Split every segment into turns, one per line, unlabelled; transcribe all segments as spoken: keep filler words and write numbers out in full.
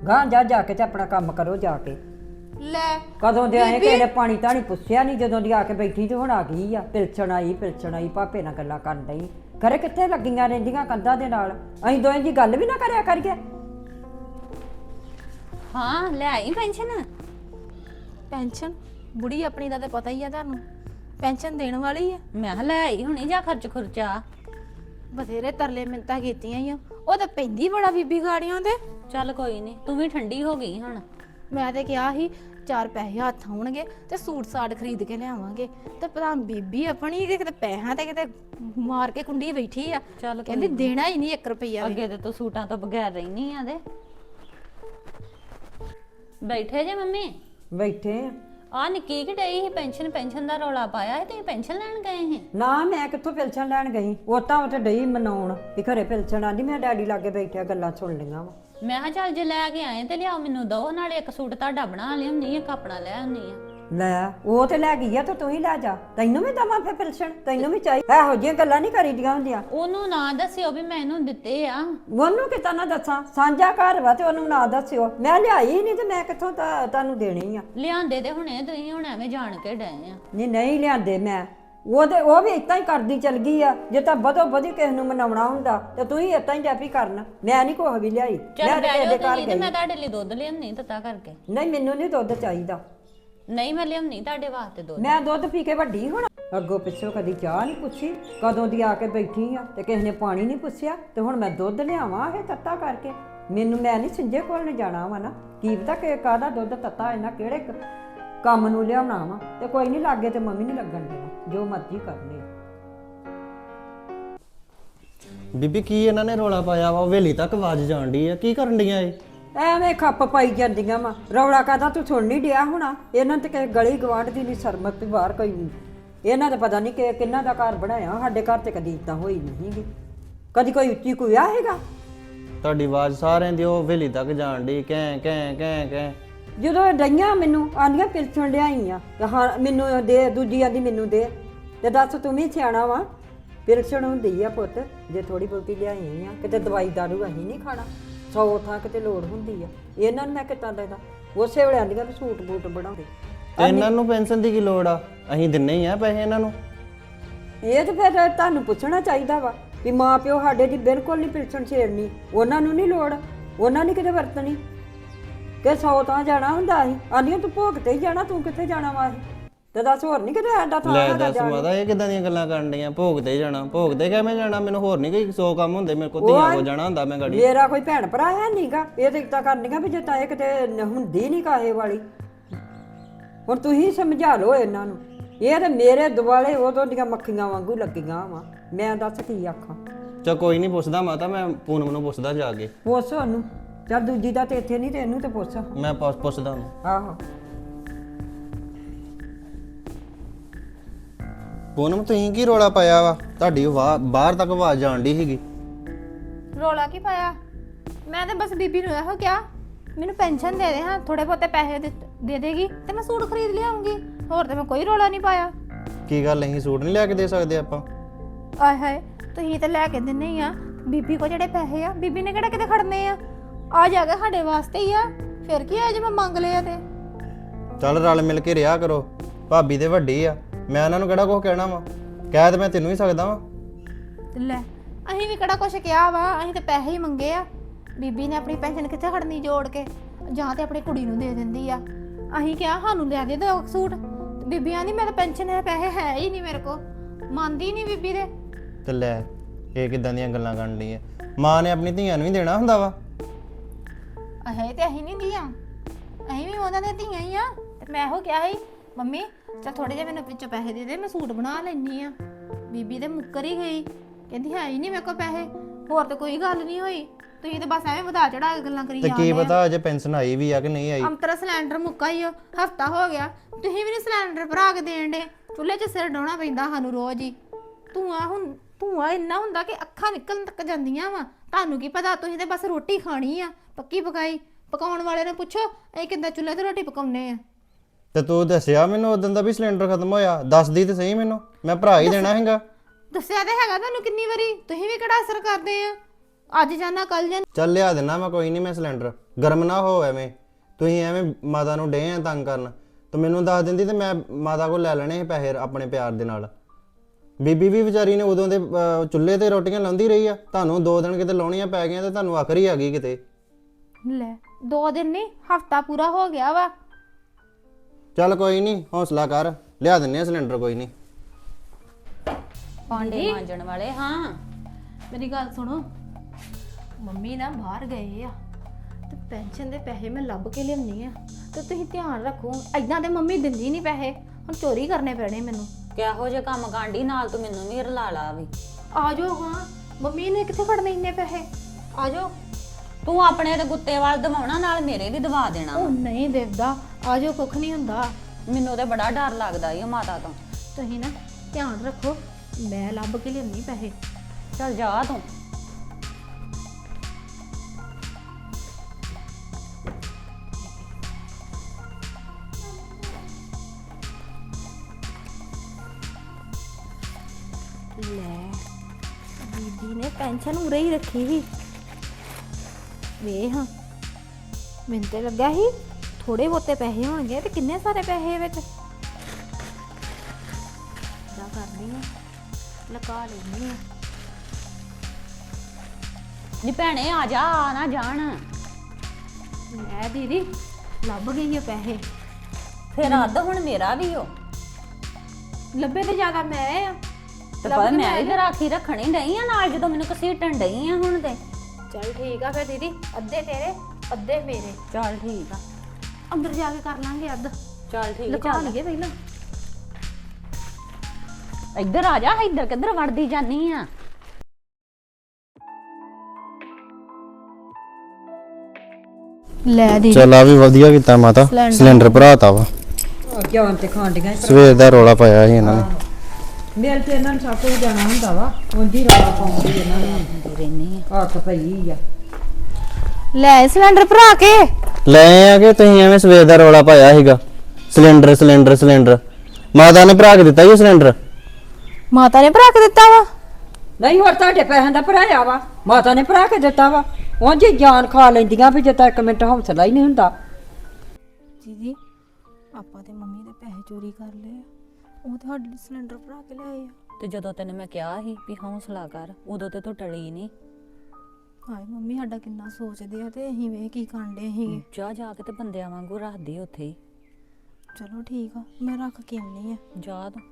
ਗਾਂ ਜਾ ਜਾ ਕੇ ਤੇ ਆਪਣਾ ਕੰਮ ਕਰੋ ਜਾ ਕੇ।
ਲੈ
ਕਦੋਂ ਦੇ ਆਏ ਕਿਸੇ ਨੇ ਪਾਣੀ ਤਾਣੀ ਪੁੱਛਿਆ ਨਹੀਂ, ਜਦੋਂ ਦੀ ਆ ਕੇ ਬੈਠੀ ਤੇ ਹੁਣ ਆ ਗਈ ਆ। ਪਿਲਸਣ ਆਈ ਪਿਲਸਣ ਆਈ ਪਾਪੇ ਨਾਲ ਗੱਲਾਂ ਕਰਨ ਡਈ। ਘਰੇ ਕਿੱਥੇ ਲੱਗੀਆਂ ਰਹਿੰਦੀਆਂ ਕੰਧਾਂ ਦੇ ਨਾਲ, ਅਸੀਂ ਦੋਵੇਂ ਦੀ ਗੱਲ ਵੀ ਨਾ ਕਰਿਆ ਕਰੀਏ।
ਹਾਂ ਲੈ ਆਈ ਪੈਨਸ਼ਨ।
ਪੈਨਸ਼ਨ ਬੁੜੀ ਆਪਣੀ ਦਾ ਤਾਂ ਪਤਾ ਹੀ ਆ ਤੁਹਾਨੂੰ, ਪੈਨਸ਼ਨ ਦੇਣ ਵਾਲੀ ਆ।
ਮੈਂ ਕਿਹਾ ਲੈ ਆਈ ਹੁਣੀ ਜਾ ਖਰਚ ਖੁਰਚਾ।
ਬਥੇਰੇ ਤਰਲੇ ਮਿੰਤਾਂ ਕੀਤੀਆਂ ਹੀ ਆ, ਉਹ ਤਾਂ ਪੈਂਦੀ ਬੜਾ ਬੀਬੀ ਗਾੜੀਆਂ ਤੇ।
ਚੱਲ ਕੋਈ ਨਹੀਂ, ਤੂੰ ਵੀ ਠੰਡੀ ਹੋ ਗਈ ਹੁਣ।
ਮੈਂ ਤੇ ਕਿਹਾ ਸੀ ਚਾਰ ਪੈਸੇ ਹੱਥ ਆਉਣਗੇ ਤੇ ਸੂਟ ਸਾੜ ਖਰੀਦ ਕੇ ਲਿਆਵਾਂਗੇ, ਤੇ ਪਤਾ ਬੀਬੀ ਆਪਣੀ ਕਿਤੇ ਪੈਸਿਆਂ ਤੇ ਕਿਤੇ ਮਾਰ ਕੇ ਕੁੰਡੀ ਬੈਠੀ ਆ।
ਚੱਲ
ਕਹਿੰਦੀ ਦੇਣਾ ਹੀ ਨਹੀਂ ਇੱਕ ਰੁਪਈਆ ਵੀ।
ਅੱਗੇ ਤੇ ਤੂੰ ਸੂਟਾਂ ਤੋਂ ਬਗੈਰ ਰਹਿਨੀ ਆ ਦੇ। ਬੈਠੇ ਜੇ ਮੰਮੀ?
ਬੈਠੇ ਆ।
ਆ ਨਿੱਕੀ ਕਿ ਡਈ ਸੀ ਪੈਨਸ਼ਨ ਪੈਨਸ਼ਨ ਦਾ ਰੌਲਾ ਪਾਇਆ ਸੀ, ਤੁਸੀਂ ਪੈਨਸ਼ਨ ਲੈਣ ਗਏ ਸੀ?
ਨਾ ਮੈਂ ਕਿੱਥੋਂ ਪਿਲਸਣ ਲੈਣ ਗਈ, ਉਹ ਤਾਂ ਉੱਥੇ ਡਈ ਮਨਾਉਣ ਵੀ ਘਰੇ ਪਿਲਸਣ ਆਂਦੀ। ਮੈਂ ਡੈਡੀ ਲਾਗੇ ਬੈਠਿਆ ਗੱਲਾਂ ਸੁਣ ਲਈਆਂ ਵਾ।
ਮੈਂ ਕਿਹਾ ਚੱਲ ਜੇ ਲੈ ਕੇ ਆਏ ਤੇ ਲਿਆਓ ਮੈਨੂੰ ਦੋ, ਨਾਲੇ ਇੱਕ ਸੂਟ ਤੁਹਾਡਾ ਬਣਾ ਲਿਆਉਣੀ, ਇੱਕ ਆਪਣਾ ਲੈ ਆਉਣੀ ਆ।
ਲੈ ਉਹ ਤੇ ਲੈ ਗਈ ਆ, ਤੇ ਤੂੰ ਹੀ ਲੈ ਜਾ। ਤੈਨੂੰ ਵੀ ਦਵਾਂ ਫੇ ਪਿਲਸਣ, ਤੈਨੂੰ ਵੀ ਚਾਹੀਦੀ। ਇਹੋ ਜਿਹੀਆਂ ਗੱਲਾਂ ਨਹੀਂ ਕਰੀਦੀਆਂ ਹੁੰਦੀਆਂ।
ਉਹਨੂੰ ਨਾ ਦੱਸਿਓ ਵੀ ਮੈਂ ਇਹਨੂੰ ਦਿੱਤੇ ਆ।
ਉਹਨੂੰ ਕਿਤਾ ਨਾ ਦੱਸਾਂ, ਸਾਂਝਾ ਘਰ ਵਾ ਤੇ ਉਹਨੂੰ ਨਾ ਦੱਸਿਓ। ਮੈਂ ਲਿਆਈ ਨਹੀਂ ਤੇ ਮੈਂ ਕਿੱਥੋਂ ਤਾਂ ਤੁਹਾਨੂੰ ਦੇਣੀ ਆ।
ਲਿਆਂਦੇ ਤੇ ਹੁਣੇ ਤੁਸੀਂ ਹੁਣ ਐਵੇਂ ਜਾਣ ਕੇ ਡਏ ਆ।
ਨਹੀਂ ਨਹੀਂ ਲਿਆਂਦੇ ਮੈਂ। ਉਹ ਤੇ ਉਹ ਵੀ ਇਤਾਂ ਹੀ ਕਰਦੀ ਚਲ ਗਈ ਆ। ਜੇ ਤਾਂ ਵਧੋ ਵਧੀ ਕਿਸੇ ਨੂੰ ਮਨਾਉਣਾ ਹੁੰਦਾ ਤੇ ਤੂੰ ਹੀ ਇਤਾਂ ਹੀ ਡੈਪੀ ਕਰਨ। ਮੈਂ ਨਹੀਂ ਕੁਛ ਵੀ ਲਿਆਈ।
ਚੱਲ
ਮੈਂ
ਬਹਿ
ਤੇਰੇ
ਜਾਓ
ਘਰ
ਤੁਸੀਂ ਤੇ
ਗਈ।
ਮੈਂ ਤੁਹਾਡੇ ਲਈ ਦੁੱਧ ਲਿਆਉਣੀ ਤਤਾ ਕਰਕੇ।
ਨਹੀਂ ਮੈਨੂੰ ਨਹੀਂ ਦੁੱਧ ਚਾਹੀਦਾ।
ਨਹੀਂ ਮੈਂ ਲਿਆਉਣੀ ਤੁਹਾਡੇ ਵਾਸਤੇ ਦੁੱਧ।
ਮੈਂ ਦੁੱਧ ਪੀ ਕੇ ਵੱਡੀ ਹੁਣ। ਅੱਗੋਂ ਪਿੱਛੋਂ ਕਦੀ ਚਾਹ ਨਹੀਂ ਪੁੱਛੀ, ਕਦੋਂ ਦੀ ਆ ਕੇ ਬੈਠੀ ਆ ਤੇ ਕਿਸੇ ਨੇ ਪਾਣੀ ਨਹੀਂ ਪੁੱਛਿਆ। ਤੇ ਹੁਣ ਮੈਂ ਦੁੱਧ ਲਿਆਵਾਂ ਇਹ ਤੱਤਾ ਕਰਕੇ? ਮੈਨੂੰ ਮੈਂ ਨਹੀਂ ਸਿੰਜੇ ਕੋਲ ਨਹੀਂ ਜਾਣਾ ਵਾ ਨਾ। ਕੀ ਪਤਾ ਕਿ ਕਾਹਦਾ ਦੁੱਧ ਤੱਤਾ ਇਹਨਾਂ ਕਿਹੜੇ ਕ- ਕੰਮ ਨੂੰ ਲਿਆਉਣਾ ਵਾ। ਤੇ ਕੋਈ ਨਹੀਂ, ਲਾਗੇ ਤੇ ਮੰਮੀ ਨਹੀਂ ਲੱਗਣ ਦੇਣਾ, ਜੋ ਮਰਜ਼ੀ ਕਰਨੇ।
ਬੀਬੀ ਕੀ ਇਹਨਾਂ ਨੇ ਰੋਲਾ ਪਾਇਆ ਵਾ? ਹਵੇਲੀ ਤੱਕ ਆਵਾਜ਼ ਜਾਣ ਡਈ ਆ, ਕੀ ਕਰਨ ਡੀਆਂ ਇਹ?
ਐਵੇਂ ਖੱਪ ਪਾਈ ਜਾਂਦੀਆਂ ਵਾ। ਰੌਲਾ ਕਾਹਦਾ ਤੂੰ ਸੁਣ ਨਹੀਂ ਡਿਆ ਹੋਣਾ? ਇਹਨਾਂ ਤੇ ਕਿਸੇ ਗਲੀ ਗਵਾਂਢ ਦੀ ਨਹੀਂ ਸਰਮਤ ਵੀ ਬਾਹਰ ਕੋਈ ਨਹੀਂ। ਇਹਨਾਂ ਦਾ ਪਤਾ ਨਹੀਂ ਕਿ ਕਿੰਨਾ ਦਾ ਘਰ ਬਣਾਇਆ। ਸਾਡੇ ਘਰ ਤੇ ਕਦੀ ਇਦਾਂ ਹੋਈ ਨਹੀਂ ਗੀ। ਕਦੀ ਕੋਈ ਉੱਚੀ ਕੋਈ ਆ ਹੈਗਾ?
ਤੁਹਾਡੀ ਆਵਾਜ਼ ਸਾਰਿਆਂ ਦੀ ਉਹ ਹਵੇਲੀ ਤੱਕ ਜਾਣ ਡਈ, ਕਹਿ ਕਹਿ ਕਹਿ ਕਹਿ।
ਜਦੋਂ ਡਈਆਂ ਮੈਨੂੰ ਆਂਦੀਆਂ ਪਿਲਸਣ ਲਿਆਈਆਂ ਤੇ ਹਾਂ ਮੈਨੂੰ ਦੇ, ਦੂਜੀ ਆਂਦੀ ਮੈਨੂੰ ਦੇ। ਤੇ ਦੱਸ ਤੂੰ ਵੀ ਸਿਆਣਾ ਵਾ। ਪਿਲਸਣ ਹੁੰਦੀ ਆ ਪੁੱਤ, ਜੇ ਥੋੜੀ ਬਹੁਤੀ ਲਿਆਈ ਆ। ਕਿਤੇ ਦਵਾਈ ਦਾਰੂ ਅਸੀਂ ਨਹੀਂ ਖਾਣਾ, ਸੌ ਥਾਂ ਕਿਤੇ ਲੋੜ ਹੁੰਦੀ ਆ। ਇਹਨਾਂ ਨੂੰ ਮੈਂ ਕਿੱਦਾਂ ਦੇਦਾ? ਉਸੇ ਵੇਲੇ ਆਂਦੀਆਂ ਵੀ ਸੂਟ ਬੂਟ ਬਣਾਉਂਦੇ।
ਤੇ ਇਹਨਾਂ ਨੂੰ ਪੈਨਸ਼ਨ ਦੀ ਕੀ ਲੋੜ ਆ? ਅਸੀਂ ਦਿੰਨੇ ਹੀ ਆ ਪੈਸੇ ਇਹਨਾਂ ਨੂੰ।
ਇਹ ਤੇ ਫਿਰ ਤੁਹਾਨੂੰ ਪੁੱਛਣਾ ਚਾਹੀਦਾ ਵਾ ਵੀ ਮਾਂ ਪਿਓ ਸਾਡੇ ਦੀ ਬਿਲਕੁਲ ਨਹੀਂ ਪਿਲਸਣ ਛੇੜਨੀ। ਉਹਨਾਂ ਨੂੰ ਨਹੀਂ ਲੋੜ, ਉਹਨਾਂ ਨੇ ਕਿਤੇ ਵਰਤਣੀ। ਕਿ ਸੌ ਤਾਂ ਜਾਣਾ ਹੁੰਦਾ ਅਸੀਂ। ਆਂਦੀਆਂ ਤੂੰ ਭੋਗ ਤੇ ਹੀ ਜਾਣਾ, ਤੂੰ ਕਿੱਥੇ ਜਾਣਾ ਵਾ? ਅਸੀਂ ਤੇ ਦੱਸ ਹੋਰ ਨਹੀਂ ਕਿਤੇ ਸਾਡਾ ਥਾਂ
ਲੈ
ਹੈਗਾ
ਦੱਸ
ਜਾਣ ਨੂੰ।
ਮਾਤਾ ਇਹ ਕਿਦਾਂ ਦੀਆਂ ਗੱਲਾਂ ਕਰਨ ਡੀਆਂ? ਭੋਗ ਤੇ ਜਾਣਾ? ਭੋਗ ਤੇ ਕਿਵੇਂ ਜਾਣਾ? ਮੈਨੂੰ ਹੋਰ ਨਹੀਂ ਕੋਈ ਸੌ ਕੰਮ ਹੁੰਦੇ ਮੇਰੇ ਕੋਲ, ਧੀਆਂ ਕੋ ਜਾਣਾ ਹੁੰਦਾ ਮੈਂ ਗਾੜੀ।
ਮੇਰਾ ਕੋਈ ਭੈਣ ਭਰਾ ਹੈ ਨਹੀਂਗਾ। ਇਹ ਤੇ ਇਦਾਂ ਕਰਨੀਆਂ ਵੀ ਜੇ ਤਾਂ ਇਹ ਕਿਤੇ ਹੁੰਦੀ ਨਹੀਂ ਕਾਹੇ ਵਾਲੀ। ਹੁਣ ਤੁਸੀਂ ਸਮਝਾ ਲਓ ਇਹਨਾਂ ਨੂੰ। ਇਹ ਤੇ ਮੇਰੇ ਦੁਆਲੇ ਉਦੋਂ ਦੀਆਂ ਮੱਖੀਆਂ ਵਾਂਗੂ ਲੱਗੀਆਂ ਵਾ। ਮੈਂ ਦੱਸ ਕੀ ਆਖਾਂ?
ਚਾ ਕੋਈ ਨਹੀਂ ਪੁੱਛਦਾ ਮਾਤਾ, ਮੈਂ ਪੂਨਮ ਨੂੰ ਪੁੱਛਦਾ ਜਾ ਕੇ।
ਪੁੱਛ ਉਹਨੂੰ। ਚੱਲ ਦੂਜੀ ਦਾ ਤੇ ਇੱਥੇ ਨਹੀਂ, ਤੇ ਇਹਨੂੰ ਤੇ ਪੁੱਛ।
ਮੈਂ ਪੁੱਛ- ਪੁੱਛਦਾ ਉਹਨੂੰ।
ਆਹੋ
ਪੂਨਮ ਤੁਸੀਂ ਕੀ ਰੋਲਾ ਪਾਇਆ ਵਾ? ਤੁਹਾਡੀ ਆਵਾਜ਼ ਬਾਹਰ ਤੱਕ ਆਵਾਜ਼ ਜਾਣ ਡਈ ਸੀਗੀ।
ਰੌਲਾ ਕੀ ਪਾਇਆ? ਮੈਂ ਤਾਂ ਬਸ ਬੀਬੀ ਨੂੰ ਇਹੋ ਕਿਹਾ ਮੈਨੂੰ ਪੈਨਸ਼ਨ ਦੇ ਦੇ, ਹਾਂ ਥੋੜੇ ਬਹੁਤੇ ਪੈਸੇ ਦੇ ਦੇ ਦੇਗੀ ਤੇ ਮੈਂ ਸੂਟ ਖਰੀਦ ਲਿਆਉਂਗੀ। ਹੋਰ ਤੇ ਮੈਂ ਕੋਈ ਰੌਲਾ ਨਹੀਂ ਪਾਇਆ।
ਕੀ ਗੱਲ, ਅਸੀਂ ਸੂਟ ਨਹੀਂ ਲਿਆ ਕੇ ਦੇ ਸਕਦੇ ਆਪਾਂ?
ਆਏ ਹਾਏ ਤੁਸੀਂ ਤਾਂ ਲੈ ਕੇ ਦਿੰਨੇ ਹੀ ਆ। ਬੀਬੀ ਕੋ ਜਿਹੜੇ ਪੈਸੇ ਆ ਬੀਬੀ ਨੇ ਕਿਹੜਾ ਕਿਤੇ ਖੜਨੇ ਆ? ਆ ਜਾ ਕੇ ਸਾਡੇ ਵਾਸਤੇ ਹੀ ਆ। ਫਿਰ ਕੀ ਆ ਜੇ ਮੈਂ ਮੰਗ ਲਿਆ ਤੇ?
ਚੱਲ ਰਲ ਮਿਲ ਕੇ ਰਿਹਾ ਕਰੋ। ਭਾਬੀ ਤੇ ਵੱਡੀ ਆ, ਮੈਂ ਉਹਨਾਂ ਨੂੰ ਕਿਹੜਾ ਕੁਝ ਕਹਿਣਾ ਵਾ? ਕਹਿ ਤੇ ਮੈਂ ਤੈਨੂੰ ਹੀ ਸਕਦਾ ਵਾ।
ਤੇ ਲੈ ਅਸੀਂ ਵੀ ਕਿਹੜਾ ਕੁਛ ਕਿਹਾ ਵਾ? ਅਸੀਂ ਤਾਂ ਪੈਸੇ ਹੀ ਮੰਗੇ ਆ। ਬੀਬੀ ਨੇ ਆਪਣੀ ਪੈਨਸ਼ਨ ਕਿੱਥੇ ਖੜਨੀ ਜੋੜ ਕੇ, ਜਾਂ ਤੇ ਆਪਣੀ ਕੁੜੀ ਨੂੰ ਦੇ ਦਿੰਦੀ ਆ। ਅਸੀਂ ਕਿਹਾ ਸਾਨੂੰ ਲਿਆ ਦੇ ਦੋ ਸੂਟ। ਬੀਬੀ ਆਂਦੀ ਮੈਂ ਤਾਂ ਪੈਨਸ਼ਨ ਹੈ, ਪੈਸੇ ਹੈ ਹੀ ਨਹੀਂ ਮੇਰੇ ਕੋ। ਮੰਨਦੀ ਨਹੀਂ ਬੀਬੀ ਦੇ।
ਤੇ ਲੈ ਇਹ ਕਿਦਾਂ ਦੀਆਂ ਗੱਲਾਂ ਕਰਨ ਡਈ ਆ? ਮਾਂ ਨੇ ਆਪਣੀ ਧੀਆਂ ਨੂੰ ਹੀ ਦੇਣਾ ਹੁੰਦਾ ਵਾ।
ਅਹੇ ਤੇ ਅਸੀਂ ਨਹੀਂ ਦੀਆਂ, ਅਸੀਂ ਵੀ ਉਹਨਾਂ ਦੇ ਧੀਆਂ ਹੀ ਆ। ਤੇ ਮੈਂ ਇਹੋ ਕਿਹਾ ਸੀ ਮੰਮੀ ਚੱਲ ਥੋੜੇ ਜਿਹੇ ਮੈਨੂੰ ਵਿੱਚੋਂ ਪੈਸੇ ਦੇ ਦੇ, ਮੈਂ ਸੂਟ ਬਣਾ ਲੈਣੀ ਆ। ਬੀਬੀ ਤੇ ਮੁੱਕਰ ਹੀ ਗਈ, ਕਹਿੰਦੀ ਹੈ ਹੀ ਨਹੀਂ ਮੇਰੇ ਕੋਲ ਪੈਸੇ। ਹੋਰ ਤਾਂ ਕੋਈ ਗੱਲ ਨਹੀਂ ਹੋਈ, ਤੁਸੀਂ ਤਾਂ ਬਸ ਐਵੇਂ ਵਧਾ ਚੜਾ ਕੇ ਗੱਲਾਂ ਕਰੀ
ਤੇ
ਜਾਂਦੇ।
ਕੀ ਪਤਾ ਅਜੇ ਪੈਨਸ਼ਨ ਆਈ ਵੀ ਆ ਕਿ ਨਹੀਂ ਆਈ।
ਅੰਤਰਾ ਸਿਲੰਡਰ ਮੁੱਕਾ ਹੀ ਹਫਤਾ ਹੋ ਗਿਆ, ਤੁਸੀਂ ਵੀ ਨਹੀਂ ਸਿਲੰਡਰ ਭਰਾ ਕੇ ਦੇਣ ਦੇ। ਚੁੱਲ੍ਹੇ 'ਚ ਸਿਰ ਡਾਉਣਾ ਪੈਂਦਾ ਸਾਨੂੰ ਰੋਜ਼ ਹੀ। ਧੂਆਂ ਹੁਣ ਧੂਆਂ ਇੰਨਾ ਹੁੰਦਾ ਕਿ ਅੱਖਾਂ ਨਿਕਲਣ ਤੱਕ ਜਾਂਦੀਆਂ ਵਾ। ਤੁਹਾਨੂੰ ਕੀ ਪਤਾ, ਤੁਸੀਂ ਤੇ ਬਸ ਰੋਟੀ ਖਾਣੀ ਆ ਪੱਕੀ ਪਕਾਈ। ਪਕਾਉਣ ਵਾਲੇ ਨੂੰ ਪੁੱਛੋ ਇਹ ਕਿੱਦਾਂ ਚੁੱਲ੍ਹੇ ਤੇ ਰੋਟੀ ਪਕਾਉਂਦੇ ਆ।
ਤੇ ਤੂੰ ਦੱਸਿਆ ਮੈਨੂੰ ਉਦੋਂ ਦਾ ਵੀ ਸਿਲੰਡਰ ਖਤਮ ਹੋਇਆ? ਦੱਸਦੀ ਤੇ ਸਹੀ ਮੈਨੂੰ, ਮੈਂ ਭਰਾ ਹੀ ਦੇਣਾ ਹੈਗਾ।
ਦੱਸਿਆ ਤੇ ਹੈਗਾ ਤੁਹਾਨੂੰ ਕਿੰਨੀ ਵਾਰੀ, ਤੁਸੀਂ ਵੀ ਕਿਹੜਾ ਅਸਰ ਕਰਦੇ ਆ। ਅੱਜ ਜਾਣਾ ਕੱਲ ਜਾਣਾ।
ਚੱਲ ਲਿਆ ਦੇਣਾ ਮੈਂ, ਕੋਈ ਨਹੀਂ ਮੈਂ ਸਿਲੰਡਰ। ਗਰਮ ਨਾ ਹੋ ਐਵੇਂ। ਤੁਸੀਂ ਐਵੇਂ ਮਾਤਾ ਨੂੰ ਡੇ ਆ ਤੰਗ ਕਰਨ, ਤੇ ਮੈਨੂੰ ਦੱਸ ਦਿੰਦੀ ਤੇ ਮੈਂ ਮਾਤਾ ਕੋਲ ਲੈ ਲੈਣੇ ਸੀ ਪੈਸੇ ਆਪਣੇ ਪਿਆਰ ਦੇ ਨਾਲ। ਬੀਬੀ ਵੀ ਵਿਚਾਰੀ ਨੇ ਉਦੋਂ ਦੇ ਅਹ, ਚੁੱਲ੍ਹੇ ਤੇ ਰੋਟੀਆਂ ਲਾਉਂਦੀ ਰਹੀ ਆ, ਤੁਹਾਨੂੰ ਦੋ ਦਿਨ ਕਿਤੇ ਲਾਉਣੀਆਂ ਪੈ ਗਈਆਂ ਤੇ ਤੁਹਾਨੂੰ ਆਖਰੀ ਆ ਗਈ ਕਿਤੇ।
ਲੈ ਦੋ ਦਿਨ ਨਹੀਂ ਹਫਤਾ ਪੂਰਾ ਹੋ ਗਿਆ ਵਾ।
ਚੱਲ ਕੋਈ ਨਹੀਂ, ਹੌਸਲਾ ਕਰ, ਲਿਆ ਦਿੰਨੇ ਆ ਸਿਲੰਡਰ, ਕੋਈ ਨਹੀਂ।
ਭਾਂਡੇ ਮਾਂਜਣ ਵਾਲੇ। ਹਾਂ
ਮੇਰੀ ਗੱਲ ਸੁਣੋ, ਮੰਮੀ ਨਾ ਬਾਹਰ ਗਏ ਆ ਤੇ ਪੈਨਸ਼ਨ ਦੇ ਪੈਸੇ ਮੈਂ ਲੱਭ ਕੇ ਲਿਆਉਣੀ ਆ, ਤੇ ਤੁਸੀਂ ਧਿਆਨ ਰੱਖੋ। ਐਦਾਂ ਤੇ ਮੰਮੀ ਦਿੰਦੀ ਨਹੀਂ ਪੈਸੇ, ਹੁਣ ਚੋਰੀ ਕਰਨੇ ਪੈਣੇ ਮੈਨੂੰ।
ਕਿਹੋ ਜਿਹੇ ਕੰਮ ਕਾਂਡੀ ਨਾਲ ਤੂੰ ਮੈਨੂੰ ਵੀ ਰਲਾ ਲਾ ਵੀ।
ਆ ਜਾਓ ਹਾਂ, ਮੰਮੀ ਨੇ ਕਿੱਥੇ ਫੜਨੇ ਇੰਨੇ ਪੈਸੇ? ਆ ਜਾਓ।
ਤੂੰ ਆਪਣੇ ਤੇ ਗੁੱਤੇ ਵਾਲ ਦਵਾਉਣਾ, ਨਾਲ ਮੇਰੇ ਵੀ ਦਵਾ ਦੇਣਾ।
ਉਹ ਨਹੀਂ ਦੇਵਦਾ, ਆ ਜਾਓ, ਕੁੱਖ ਨਹੀਂ ਹੁੰਦਾ।
ਮੈਨੂੰ ਤੇ ਬੜਾ ਡਰ ਲੱਗਦਾ ਈ ਮਾਤਾ ਤੋਂ।
ਤੁਸੀਂ ਨਾ ਧਿਆਨ ਰੱਖੋ, ਮੈਂ ਲੱਭ ਕੇ ਲਿਆਉਣੀ ਪੈਸੇ।
ਚੱਲ ਜਾ ਤੂੰ।
ਲੈ ਦੀਦੀ ਨੇ ਪੈਨਸ਼ਨ ਉਰੇ ਹੀ ਰੱਖੀ ਸੀ। ਵੇ ਹਾਂ, ਮੈਨੂੰ ਤੇ ਲੱਗਾ ਸੀ ਥੋੜੇ ਬਹੁਤੇ ਪੈਸੇ ਹੋਣਗੇ, ਤੇ ਕਿੰਨੇ ਸਾਰੇ ਪੈਸੇ ਵਿੱਚ ਦਾ ਕਰਨੀ ਆ, ਲਗਾ ਲੈਣੀ ਆ।
ਨੀ ਭੈਣੇ ਆ ਜਾ, ਆ ਨਾ ਜਾਣ।
ਲੈ ਦੀਦੀ ਲੱਭ ਗਈ ਆ ਪੈਸੇ।
ਫਿਰ ਅੱਧ ਹੁਣ ਮੇਰਾ ਵੀ ਹੋ।
ਲੱਭੇ ਤੇ ਜ਼ਿਆਦਾ ਮੈਂ ਆ।
ਤੇ ਪਰ ਮੈਂ ਵੀ ਰਾਖੀ ਰੱਖਣੀ ਡਈ ਆ ਨਾਲ, ਜਦੋਂ ਮੈਨੂੰ ਘਸੀਟਣ ਡਈ ਆ ਹੁਣ ਤੇ।
ਚੱਲ ਠੀਕ ਆ ਫਿਰ ਦੀਦੀ, ਅੱਧੇ ਤੇਰੇ ਅੱਧੇ ਮੇਰੇ।
ਚੱਲ ਠੀਕ ਆ,
ਅੰਦਰ ਜਾ ਕੇ ਕਰ ਲਾਂਗੇ ਅੱਧ।
ਚੱਲ ਠੀਕ।
ਲਗਾ
ਚੱਲ
ਲਈਏ ਪਹਿਲਾਂ।
ਇੱਧਰ ਆ ਜਾ, ਇੱਧਰ ਕਿੱਧਰ ਵੜਦੀ ਜਾਨੀ ਆ?
ਲੈ ਦੀਦੀ
ਚੱਲ ਆ ਵੀ ਵਧੀਆ ਕੀਤਾ ਮਾਤਾ, ਸਿਲੰਡਰ ਭਰਾਤਾ ਵਾ।
ਕਿਉਂ ਤੇ ਖਾਂਡੀਆਂ
ਸਵੇਰ ਦਾ ਰੌਲਾ ਪਾਇਆ ਸੀ ਇਹਨਾਂ ਨੇ।
ਮੇਲ ਤੇ ਇਹਨਾਂ ਨੂੰ ਸਭ ਕੁਝ ਜਾਣਾ ਹੁੰਦਾ ਵਾ, ਉਂਝ ਹੀ ਰੌਲਾ ਪਾਉਂਦੀ ਇਹਨਾਂ ਨੂੰ
ਰਹਿਨੀ ਆ।
ਹੱਥ ਪਈ ਆ।
ਲੈ ਸਿਲੰਡਰ ਭਰਾ ਕੇ
ਲੈ ਆ ਕਿ ਤੁਸੀਂ ਐਵੇਂ ਸਵੇਰ ਦਾ ਰੌਲਾ ਪਾਇਆ ਸੀਗਾ, ਸਿਲੰਡਰ ਸਿਲੰਡਰ ਸਿਲੰਡਰ। ਮਾਤਾ ਨੇ ਭਰਾ ਕੇ ਦਿੱਤਾ ਹੀ ਸਿਲੰਡਰ।
ਮਾਤਾ ਨੇ ਭਰਾ ਕੇ ਦਿੱਤਾ ਵਾ?
ਨਹੀਂ ਹੋਰ ਤੁਹਾਡੇ ਪੈਸਿਆਂ ਦਾ ਭਰਾਇਆ ਵਾ, ਮਾਤਾ ਨੇ ਭਰਾ ਕੇ ਦਿੱਤਾ ਵਾ। ਉਂਝ ਹੀ ਜਾਨ ਖਾ ਲੈਂਦੀਆਂ ਵੀ ਜੇ ਤਾਂ ਇੱਕ ਮਿੰਟ ਹੌਸਲਾ ਹੀ ਨਹੀਂ ਹੁੰਦਾ।
ਦੀਦੀ ਆਪਾਂ ਤੇ ਮੰਮੀ ਦੇ ਪੈਸੇ ਚੋਰੀ ਕਰ ਲਏ ਆ, ਉਹ ਤੇ ਸਾਡੇ ਲਈ ਸਿਲੰਡਰ ਭਰਾ ਕੇ ਲਿਆਏ ਆ।
ਤੇ ਜਦੋਂ ਤੈਨੂੰ ਮੈਂ ਕਿਹਾ ਸੀ ਵੀ ਹੌਸਲਾ ਕਰ, ਉਦੋਂ ਤੇ ਤੂੰ ਟਲੀ ਨਹੀਂ।
ਹਾਏ ਮੰਮੀ ਸਾਡਾ ਕਿੰਨਾ ਸੋਚਦੇ ਆ, ਤੇ ਅਸੀਂ ਵੇ ਕੀ ਕਾਂਡੇ ਸੀਗੇ।
ਜਾ ਜਾ ਕੇ ਤੇ ਬੰਦਿਆਂ ਵਾਂਗੂ ਰੱਖਦੀ ਉੱਥੇ ਹੀ।
ਚਲੋ ਠੀਕ ਆ, ਮੈਂ ਰੱਖ ਕੇ ਆਉਣੀ ਆ।
ਜਾ ਤੂੰ।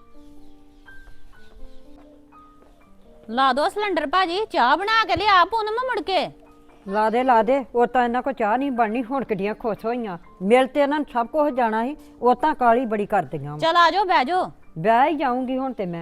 ਲਾ ਦੋ ਸਿਲੰਡਰ ਭਾਜੀ, ਚਾਹ ਬਣਾ ਕੇ ਲਿਆ ਪੂਨਮ ਮੁੜ ਕੇ।
ਲਾ ਦੇ ਲਾ ਦੇ, ਉਹ ਤਾਂ ਇਹਨਾਂ ਕੋ ਚਾਹ ਨਹੀਂ ਬਣਨੀ, ਹੁਣ ਕਿੱਡੀਆਂ ਖੁਸ਼ ਹੋਈਆਂ। ਮਿਲ ਤੇ ਇਹਨਾਂ ਨੂੰ ਸਭ ਕੁਝ ਜਾਣਾ ਸੀ, ਉਹ ਤਾਂ ਕਾਲੀ ਬੜੀ ਕਰਦੀਆਂ ਵਾ।
ਚਲ ਆ ਜਾਓ, ਬਹਿ ਜਾਓ।
ਵਿਆਹ ਹੀ ਜਾਊਂਗੀ ਹੁਣ ਤੇ ਮੈਂ।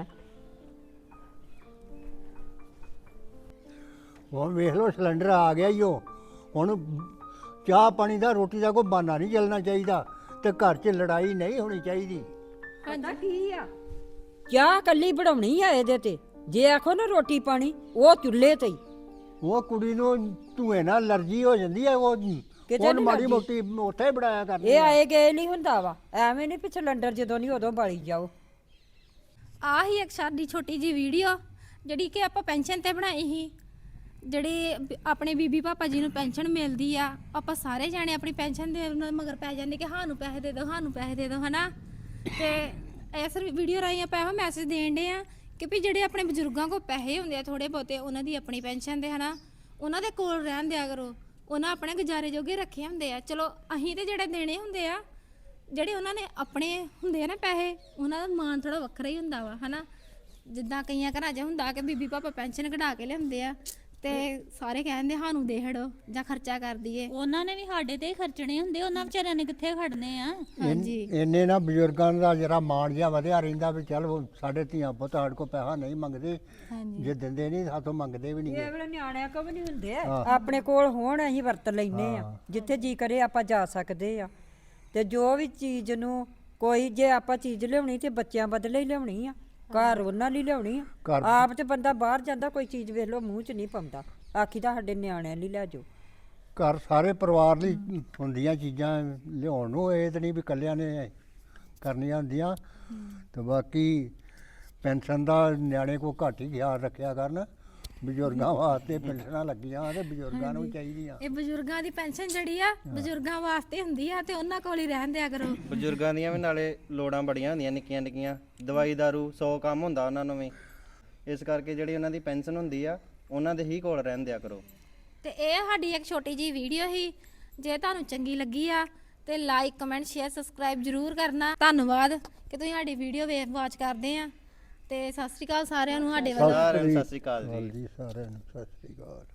ਹੁਣ ਵੇਖ ਲਓ ਸਿਲੰਡਰ ਆ ਗਿਆ ਹੀ। ਉਹ ਹੁਣ ਚਾਹ ਪਾਣੀ ਦਾ ਰੋਟੀ ਦਾ ਕੋਈ ਬਹਾਨਾ ਨਹੀਂ ਚੱਲਣਾ ਚਾਹੀਦਾ, ਤੇ ਘਰ 'ਚ ਲੜਾਈ ਨਹੀਂ ਹੋਣੀ ਚਾਹੀਦੀ।
ਪਤਾ ਕੀ ਆ, ਚਾਹ ਕੱਲੀ ਬਣਾਉਣੀ ਆ ਇਹਦੇ ਤੇ, ਜੇ ਆਖੋ ਨਾ ਰੋਟੀ ਪਾਣੀ ਉਹ ਚੁੱਲ੍ਹੇ ਤੇ ਹੀ।
ਉਹ ਕੁੜੀ ਨੂੰ ਧੂਏ ਨਾਲ ਅਲਰਜੀ ਹੋ ਜਾਂਦੀ ਹੈ, ਉਹ
ਕਿਤੇ
ਹੁਣ
ਨੀ
ਮਾੜੀ
ਲੱਗਦੀ।
ਮੋਟੀ ਉੱਥੇ ਬਣਾਇਆ ਕਰਨੀ
ਇਹ
ਆ।
ਆਏ ਗਏ ਨਹੀਂ ਹੁੰਦਾ ਵਾ, ਐਵੇਂ ਨਹੀਂ ਵੀ ਸਿਲੰਡਰ ਜਦੋਂ ਨਹੀਂ ਉਦੋਂ ਬਾਲੀ ਜਾਓ।
ਆਹ ਹੀ ਇੱਕ ਸਾਡੀ ਛੋਟੀ ਜੀ ਵੀਡੀਓ ਜਿਹੜੀ ਕਿ ਆਪਾਂ ਪੈਨਸ਼ਨ ਤੇ ਬਣਾਈ ਸੀ। ਜਿਹੜੇ ਬ- ਆਪਣੇ ਬੀਬੀ ਪਾਪਾ ਜੀ ਨੂੰ ਪੈਨਸ਼ਨ ਮਿਲਦੀ ਆ, ਆਪਾਂ ਸਾਰੇ ਜਾਣੇ ਆਪਣੀ ਪੈਨਸ਼ਨ ਦੇ ਉਹਨਾਂ ਦੇ ਮਗਰ ਪੈ ਜਾਂਦੇ ਕਿ ਸਾਨੂੰ ਪੈਸੇ ਦੇ ਦਿਓ, ਸਾਨੂੰ ਪੈਸੇ ਦੇ ਦਿਓ, ਹਨਾ। ਤੇ ਇਸ ਵੀਡੀਓ ਰਾਹੀਂ ਆਪਾਂ ਇਹੋ ਮੈਸੇਜ ਦੇਣ ਦੇ ਆ ਕਿ ਵੀ ਜਿਹੜੇ ਆਪਣੇ ਬਜ਼ੁਰਗਾਂ ਕੋਲ ਪੈਸੇ ਹੁੰਦੇ ਆ ਥੋੜੇ ਬਹੁਤੇ, ਉਹਨਾਂ ਦੀ ਆਪਣੀ ਪੈਨਸ਼ਨ ਦੇ, ਹਨਾ, ਉਹਨਾਂ ਦੇ ਕੋਲ ਰਹਿਣ ਦਿਆ ਕਰੋ। ਉਹਨਾਂ ਆਪਣੇ ਗੁਜ਼ਾਰੇ ਜੋਗੇ ਰੱਖੇ ਹੁੰਦੇ ਆ। ਚਲੋ ਅਸੀਂ ਤੇ ਜਿਹੜੇ ਦੇਣੇ ਹੁੰਦੇ ਆ, ਜਿਹੜੇ ਉਹਨਾਂ ਨੇ ਆਪਣੇ ਹੁੰਦੇ ਆ ਨਾ ਪੈਸੇ, ਉਹਨਾਂ ਦਾ ਮਾਣ ਥੋੜਾ ਵੱਖਰਾ ਹੀ ਹੁੰਦਾ ਵਾ, ਹਨਾ। ਜਿੱਦਾਂ ਕਈਆਂ ਘਰਾਂ 'ਚ ਹੁੰਦਾ ਕਿ ਬੀਬੀ ਪਾਪਾ ਪੈਨਸ਼ਨ ਕਢਾ ਕੇ ਲਿਆਉਂਦੇ ਆ, ਤੇ ਸਾਰੇ ਕਹਿੰਦੇ ਸਾਨੂੰ ਦੇ ਹੜੋ ਜਾਂ ਖਰਚਾ ਕਰ ਦਈਏ।
ਉਹਨਾਂ ਨੇ ਵੀ ਸਾਡੇ ਤੇ ਹੀ ਖਰਚਣੇ ਹੁੰਦੇ, ਉਹਨਾਂ ਵਿਚਾਰਿਆਂ ਨੇ ਕਿੱਥੇ ਖੜਨੇ ਆ।
ਹਾਂਜੀ
ਇੰਨੇ ਨਾ ਬਜ਼ੁਰਗਾਂ ਦਾ ਜਰਾ ਮਾਣ ਜਿਹਾ ਵਧਿਆ ਰਹਿੰਦਾ ਵੀ ਚੱਲ ਉਹ ਸਾਡੇ ਧੀਆਂ ਪੁੱਤ ਸਾਡੇ ਕੋਲ ਪੈਸਾ ਨਹੀਂ ਮੰਗਦੇ, ਜੇ ਦਿੰਦੇ ਨਹੀਂ ਸਾਥੋਂ ਮੰਗਦੇ ਵੀ ਨਹੀਂ।
ਇਹ ਵੇਲੇ ਨਿਆਣਿਆਂ ਕੋ ਵੀ ਨਹੀਂ ਹੁੰਦੇ, ਆਪਣੇ ਕੋਲ ਹੋਣ ਅਸੀਂ ਵਰਤ ਲੈਨੇ ਆ, ਜਿੱਥੇ ਜੀ ਕਰੇ ਆਪਾਂ ਜਾ ਸਕਦੇ ਆ। ਤੇ ਜੋ ਵੀ ਚੀਜ਼ ਨੂੰ ਕੋਈ ਜੇ ਆਪਾਂ ਚੀਜ਼ ਲਿਆਉਣੀ ਤੇ ਬੱਚਿਆਂ ਬਦਲੇ ਹੀ ਲਿਆਉਣੀ ਆ, ਘਰ ਉਹਨਾਂ ਲਈ ਲਿਆਉਣੀ ਆ।
ਘਰ-
ਆਪ ਤੇ ਬੰਦਾ ਬਾਹਰ ਜਾਂਦਾ ਕੋਈ ਚੀਜ਼ ਵੇਖ ਲਓ ਮੂੰਹ 'ਚ ਨਹੀਂ ਪਾਉਂਦਾ, ਆਖੀ ਤਾਂ ਸਾਡੇ ਨਿਆਣਿਆਂ ਲਈ ਲੈ ਜਾਓ।
ਘਰ ਸਾਰੇ ਪਰਿਵਾਰ ਲਈ ਹੁੰਦੀਆਂ ਚੀਜ਼ਾਂ ਲਿਆਉਣ ਨੂੰ, ਇਹ ਤਾਂ ਨਹੀਂ ਵੀ ਇਕੱਲਿਆਂ ਨੇ ਕਰਨੀਆਂ ਹੁੰਦੀਆਂ। ਤੇ ਬਾਕੀ ਪੈਨਸ਼ਨ ਦਾ ਨਿਆਣੇ ਕੋ ਘੱਟ ਹੀ ਖਿਆਲ ਰੱਖਿਆ ਕਰਨ, ਬਜ਼ੁਰਗਾਂ ਵਾਸਤੇ ਪੈਨਸ਼ਨਾਂ ਲੱਗੀਆਂ ਤੇ ਬਜ਼ੁਰਗਾਂ ਨੂੰ ਚਾਹੀਦੀਆਂ।
ਇਹ ਬਜ਼ੁਰਗਾਂ ਦੀ ਪੈਨਸ਼ਨ ਜਿਹੜੀ ਆ ਬਜ਼ੁਰਗਾਂ ਵਾਸਤੇ ਹੁੰਦੀ ਆ ਤੇ ਉਹਨਾਂ ਕੋਲ ਹੀ ਰਹਿਣ ਦਿਆ ਕਰੋ।
ਬਜ਼ੁਰਗਾਂ ਦੀਆਂ ਵੀ ਨਾਲੇ ਲੋੜਾਂ ਬੜੀਆਂ ਹੁੰਦੀਆਂ ਨਿੱਕੀਆਂ ਨਿੱਕੀਆਂ, ਦਵਾਈ ਦਾਰੂ ਸੌ ਕੰਮ ਹੁੰਦਾ ਉਹਨਾਂ ਨੂੰ ਵੀ, ਇਸ ਕਰਕੇ ਜਿਹੜੀ ਉਹਨਾਂ ਦੀ ਪੈਨਸ਼ਨ ਹੁੰਦੀ ਆ ਉਹਨਾਂ ਦੇ ਹੀ ਕੋਲ ਰਹਿਣ ਦਿਆ ਕਰੋ।
ਤੇ ਇਹ ਸਾਡੀ ਇੱਕ ਛੋਟੀ ਜੀ ਵੀਡੀਓ ਸੀ, ਜੇ ਤੁਹਾਨੂੰ ਚੰਗੀ ਲੱਗੀ ਆ ਤੇ ਲਾਈਕ ਕਮੈਂਟ ਸ਼ੇਅਰ ਸਬਸਕ੍ਰਾਈਬ ਜ਼ਰੂਰ ਕਰਨਾ। ਧੰਨਵਾਦ ਕਿ ਤੁਸੀਂ ਸਾਡੀ ਵੀਡੀਓ ਵੇਖ ਵਾਚ ਕਰਦੇ ਆ ਤੇ ਸਤਿ ਸ਼੍ਰੀ ਅਕਾਲ ਸਾਰਿਆਂ ਨੂੰ ਸਾਡੇ ਵੱਲੋਂ।
ਸਾਰਿਆਂ ਨੂੰ ਸਤਿ ਸ਼੍ਰੀ ਅਕਾਲ ਜੀ।
ਜੀ ਸਾਰਿਆਂ ਨੂੰ ਸਤਿ ਸ੍ਰੀ ਅਕਾਲ।